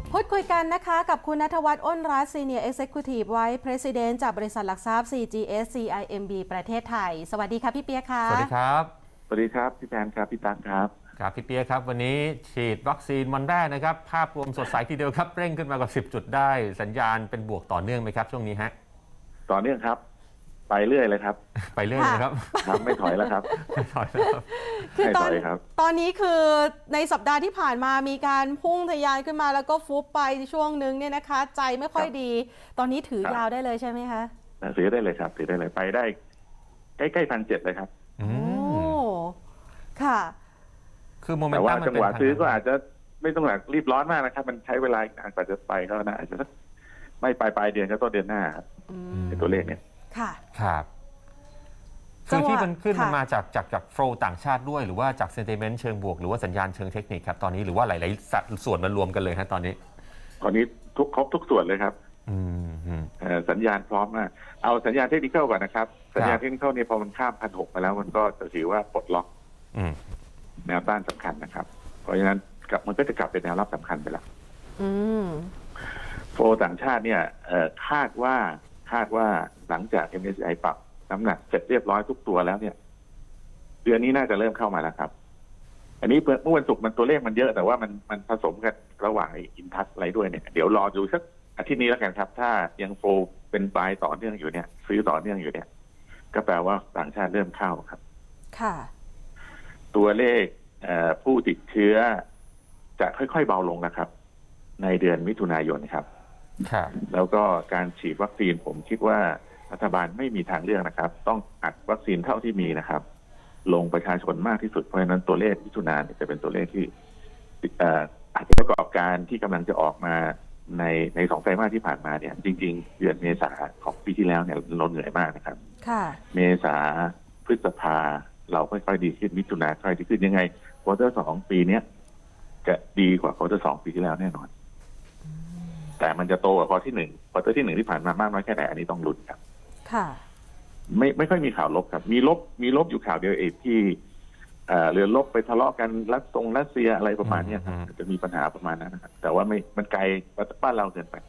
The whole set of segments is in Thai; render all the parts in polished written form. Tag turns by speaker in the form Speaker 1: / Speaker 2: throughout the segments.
Speaker 1: พูดคุยกันนะคะกับคุณณัฐวัฒน์ อ้นรัตน์ Senior Executive Vice President จากบริษัทหลักทรัพย์ CGS CIMB ประเทศไทยสวัสดีค่ะพี่เปียกค่ะ
Speaker 2: สวัสดีครับ
Speaker 3: สวัสดีครับพี่แพนครับพี่ตั๊กครับ
Speaker 2: ครับพี่เปียครับวันนี้ฉีดวัคซีนวันแรกนะครับภาพรวมสดใสทีเดียวครับเร่งขึ้นมากว่า10 จุดได้สัญญาณเป็นบวกต่อเนื่องไหมครับช่วงนี้ฮะ
Speaker 3: ต่อเนื่องครับไปเรื่อยเลยครับ
Speaker 2: ไปเรื่อยเลยครับ
Speaker 3: ไม่ถอยแล้วครับ
Speaker 2: ไม่ถอยแล้วครับ
Speaker 1: คือตอนนี้คือในสัปดาห์ที่ผ่านมามีการพุ่งทะยานขึ้นมาแล้วก็ฟุบไปช่วงนึงเนี่ยนะคะใจไม่ค่อยดีตอนนี้ถือยาวได้เลยใช่ไหมคะ
Speaker 3: ถือได้เลยครับถือได้เลยไปได้ใกล้ๆ1,700เลยครับ
Speaker 1: โอ้ค่ะ
Speaker 2: คือโมเมนตัม
Speaker 3: แต่ว่าจังหวะซื้อก็อาจจะไม่ต้องรีบร้อนมากนะครับมันใช้เวลาอีกนานกว่าจะไปก็น่าอาจจะไม่ปลายเดือนก็ต้นเดือนหน้าในตัวเลขเนี่ย
Speaker 1: ค่ะ
Speaker 2: ครับคือที่มันขึ้นมาจากโฟลต่างชาติด้วยหรือว่าจากเซนติเมนต์เชิงบวกหรือว่าสัญญาณเชิงเทคนิคครับตอนนี้หรือว่าหลายๆส่วนมันรวมกันเลยฮะตอนนี้
Speaker 3: ครบทุกส่วนเลยครับสัญญาณพร้อมมากเอาสัญญาณเทคนิคก่อนนะครับสัญญาณเทคนิคเนี่ยพอมันข้าม1,600มาแล้วมันก็จะถือว่าปลดล็อกแนวต้านสำคัญนะครับเพราะฉะนั้นมันก็จะกลับเป็นแนวรับสำคัญไปแล้วโฟลต่างชาติเนี่ยคาดว่าหลังจาก MSCI ปรับน้ำหนักเสร็จเรียบร้อยทุกตัวแล้วเนี่ยเดือนนี้น่าจะเริ่มเข้ามาแล้วครับอันนี้เมื่อวันศุกร์มันตัวเลขมันเยอะแต่ว่ามันผสมกันระหว่างอินทัชอะไรด้วยเนี่ยเดี๋ยวรอดูสักอาทิตย์นี้แล้วกันครับถ้ายังโฟลเป็นปลายต่อเนื่องอยู่เนี่ยซื้อต่อเนื่องอยู่เนี่ยก็แปลว่าต่างชาติเริ่มเข้าครับ
Speaker 1: ค่ะ
Speaker 3: ตัวเลขผู้ติดเชื้อจะค่อยๆเบาลงนะครับในเดือนมิถุนายนครับแล้วก็การฉีดวัคซีนผมคิดว่ารัฐบาลไม่มีทางเลือกนะครับต้องอัดวัคซีนเท่าที่มีนะครับลงประชาชนมากที่สุดเพราะฉะนั้นตัวเลขมิถุนายนจะเป็นตัวเลขที่อาจจะประกอบการที่กำลังจะออกมาใน2 ไตรมาสที่ผ่านมาเนี่ยจริงๆเดือนเมษาของปีที่แล้วเนี่ยเราเหนื่อยมากนะครับเมษาพฤษภาเราค่อยๆดีขึ้นมิถุนาค่อยดีขึ้นยังไงควอเตอร์2ปีนี้จะดีกว่าควอเตอร์2ปีที่แล้วแน่นอนแต่มันจะโตกว่าควอเตอร์ที่1ที่ผ่านมามากน้อยแค่ไหนอันนี้ต้องลุ้นครับ
Speaker 1: ค่ะ
Speaker 3: ไม่ค่อยมีข่าวลบครับมีลบอยู่ข่าวเดียวเองที่เรือลบไปทะเลาะกันรัสเซียอะไรประมาณนี้ครับจะมีปัญหาประมาณนั้นนะครับแต่ว่ามันไกลบ้านเราเกินไป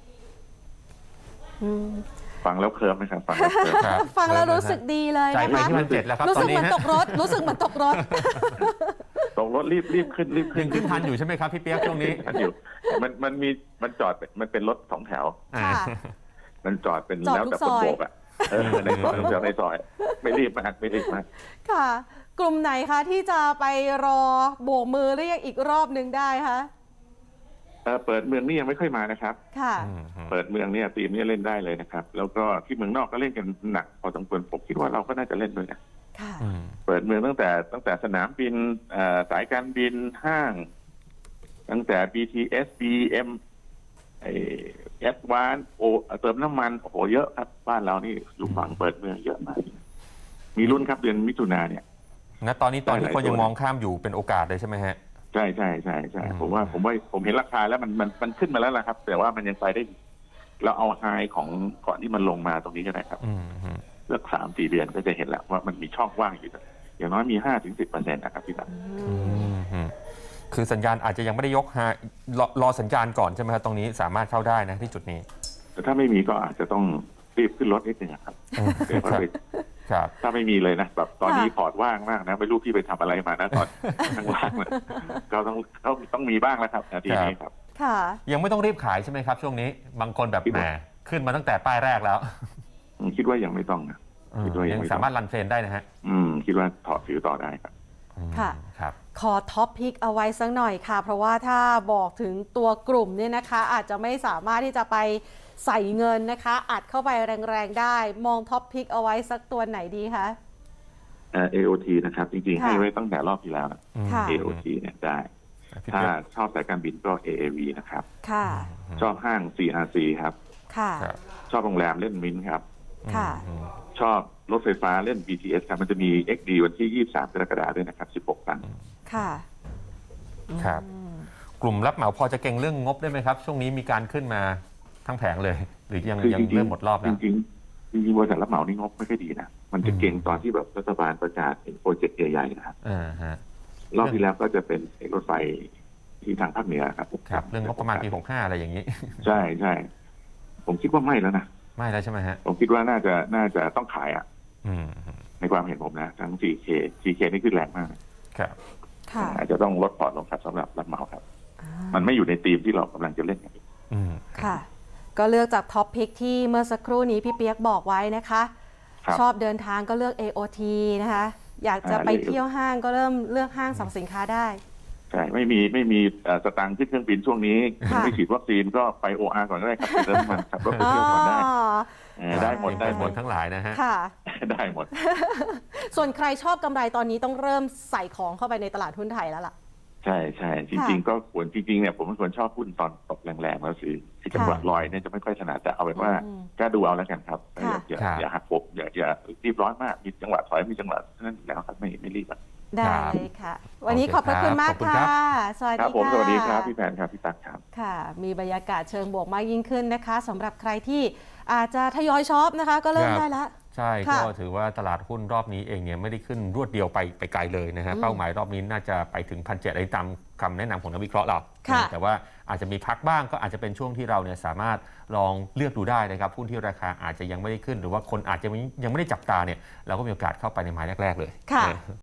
Speaker 3: ฟังแล้วเคลิ้มไหมครับ
Speaker 1: ฟังแล้วรู้สึกดีเลยนะคะรู้สึกเหมือนตกรถ
Speaker 3: รีบขึ้น
Speaker 2: ยังขึ้นทันอยู่ใช่ไหมครับพี่เปียกช่วงนี้
Speaker 3: ทันอยู่มันจอดมันเป็นรถ2 แถวมันจอดเป็นแล้วแต่คนโบกในซอยไม่รีบมาก
Speaker 1: ค่ะกลุ่มไหนคะที่จะไปรอโบกมือเรียกอีกรอบหนึ่งได้คะ
Speaker 3: เปิดเมืองนี่ยังไม่ค่อยมานะครับ
Speaker 1: ค่ะ
Speaker 3: เปิดเมืองเนี่ยทีมนี้เล่นได้เลยนะครับแล้วก็ที่เมืองนอกก็เล่นกันหนักพอสมควรผมคิดว่าเราก็น่าจะเล่นด้วยนะเปิดเมืองตั้งแต่สนามบินสายการบินห้างตั้งแต่ BTS BMแอดวานเติมน้ำมันโอ้โหเยอะครับบ้านเรานี่อยู่ฝั่งเปิดเมืองเยอะมากมีรุ่นครับเดือนมิถุนาเนี่ย
Speaker 2: งั้นตอนนี้คนยังมองข้ามอยู่เป็นโอกาสเลยใช่ไหมฮะ
Speaker 3: ใช่ผมเห็นราคาแล้วมันขึ้นมาแล้วนะครับแต่ว่ามันยังไปได้เราเอาไฮของก่อนที่มันลงมาตรงนี้ก็ได้ครับเลือก3-4 เดือนก็จะเห็นแล้วว่ามันมีช่องว่างอยู่อย่างน้อยมี 5-10% นะครับพี่ตั๊ก
Speaker 2: คือสัญญาณอาจจะยังไม่ได้ยกรอสัญญาณก่อนใช่ไหมครับตรงนี้สามารถเข้าได้นะที่จุดนี้
Speaker 3: แต่ถ้าไม่มีก็อาจจะต้องรีบขึ้นรถนิดนึงครับถ้าไม่มีเลยนะแบบตอนนี้พอร์ตว่างมากนะไม่รู้พี่ไปทำอะไรมานะตอนข้างล่างก็ต้องมีบ้างแล้วครับนาทีนี้ครับ
Speaker 2: ยังไม่ต้องรีบขายใช่ไหมครับช่วงนี้บางคนแบบแหมขึ้นมาตั้งแต่ป้ายแรกแล้ว
Speaker 3: คิดว่ายังไม่ต้องนะ
Speaker 2: ยังสามารถรันเทรนได้นะฮะ
Speaker 3: คิดว่าถอดถือต่อได้ครับ
Speaker 1: ค่ะขอท็อปพิกเอาไว้สักหน่อยค่ะเพราะว่าถ้าบอกถึงตัวกลุ่มเนี่ยนะคะอาจจะไม่สามารถที่จะไปใส่เงินนะคะอัดเข้าไปแรงๆได้มองท็อปพิกเอาไว้สักตัวไหนดีคะ
Speaker 3: AOT นะครับจริงๆให้ไว้ตั้งแต่รอบที่แล้วนะ AOT เนี่ยได้ถ้าชอบสายการบินก็ AAV นะครับชอบห้าง CRC ครับชอบโรงแรมเล่นมิ้นครับชอบรถไฟฟ้าเล่น BTS ครับมันจะมี XD วันที่23 กรกฎาคมด้วยนะครับ16 ตัน
Speaker 2: ครับกลุ่มรับเหมาพอจะเก่งเรื่องงบได้ไหมครับช่วงนี้มีการขึ้นมาทั้งแผงเลยหรือยังเริ่มหมดรอบแล้ว
Speaker 3: จริงบริษัทรับเหมานี่งบไม่ค่อยดีนะมันจะเก่งตอนที่แบบรัฐบาลประกาศเป็นโปรเจกต์ใหญ่ๆนะครับรอบที่แล้วก็จะเป็นรถไฟที่ทางภาคเหนือครับ
Speaker 2: ครับเรื่องงบประมาณปี 65 อะไรอย่างนี้
Speaker 3: ใช่ใช่ผมคิดว่าไม่แล้วนะ
Speaker 2: ไม่แล้วใช่ไหมฮะ
Speaker 3: ผมคิดว่าน่าจะต้องขายอ่ะ
Speaker 2: อืม
Speaker 3: ในความเห็นผมนะทั้ง GK นี่ขึ้นแรงมาก
Speaker 2: ครับ
Speaker 1: ค่ะ
Speaker 3: อาจจะต้องลดพอร์ตลงครับสำหรับรับเหมาครับ
Speaker 1: อ่า
Speaker 3: มันไม่อยู่ในธีมที่เรากำลังจะเล่นกัน
Speaker 2: อืม
Speaker 1: ค่ะ ก็เลือกจากท็อปพิกที่เมื่อสักครู่นี้พี่เปียกบอกไว้นะคะ
Speaker 3: ครับ
Speaker 1: ชอบเดินทางก็เลือก AOT นะคะ อยากจะไปเที่ยวห้างก็เริ่มเลือกห้างสรรพสินค้าได้
Speaker 3: ใช่ไม่มีสตางค์ขึ้นเครื่องบินช่วงนี้
Speaker 1: ค่ะ
Speaker 3: ไม่ฉีดวัคซีนก็ไป OR ก่อนก็ได้ครับเริ่มมันขับรถไปเที่ยวก่อนได้ได้หมด
Speaker 2: ได้หมดทั้งหลายนะฮะ
Speaker 1: ค่ะ
Speaker 3: ได้หมด
Speaker 1: ส่วนใครชอบกำไรตอนนี้ต้องเริ่มใส่ของเข้าไปในตลาดหุ้นไทยแล้วล่ะ
Speaker 3: ใช่ใช่จริงๆก็ควรจริงๆเนี่ยผมเป็นคนชอบหุ้นตอนตกแรงๆแล้วซื้อที่จังหวะลอยเนี่ยจะไม่ค่อยถนัดแต่เอาเป็นว่า
Speaker 1: อืม
Speaker 3: ก็ดูเอาแล้วกันครับ
Speaker 1: ค่ะ
Speaker 3: อย่าหักโหมอย่ารีบร้อนมากมีจังหวะถอยมีจังหวะนั่นอยู่แล้วครับไม่รีบอะ
Speaker 1: ได้เลยค่ะ วันนี้ขอบพระคุณมาก
Speaker 2: ขอบคุณครั
Speaker 1: ค่ะ
Speaker 2: บ
Speaker 1: สวัส
Speaker 3: ครั
Speaker 1: ดี
Speaker 3: บผม
Speaker 1: ค่ะ
Speaker 3: สวัสดีครับพี่แพนครับพี่ตั๊กครับ
Speaker 1: ค่ะ มีบรรยากาศเชิงบวกมากยิ่งขึ้นนะคะสำหรับใครที่อาจจะทยอยช็อปนะคะ ก็เริ่มได้แล้ว
Speaker 2: ใช่
Speaker 1: ค่ะ
Speaker 2: ก็ถือว่าตลาดหุ้นรอบนี้เองเนี่ยไม่ได้ขึ้นรวดเดียวไปไกลเลยนะฮะ
Speaker 1: อืม
Speaker 2: เป้าหมายรอบนี้น่าจะไปถึง 1,700อะไรตามคำแนะนำของนักวิเคราะห์เรา
Speaker 1: ค่ะ
Speaker 2: แต่ว่าอาจจะมีพักบ้างก็อาจจะเป็นช่วงที่เราเนี่ยสามารถลองเลือกดูได้นะครับหุ้นที่ราคาอาจจะยังไม่ได้ขึ้น หรือว่าคนอาจจะยังไม่ได้จับตาเนี่ยเราก็มีโอกาสเข้าไปในไม้แรกๆเลย
Speaker 1: ค่ะ
Speaker 2: นะ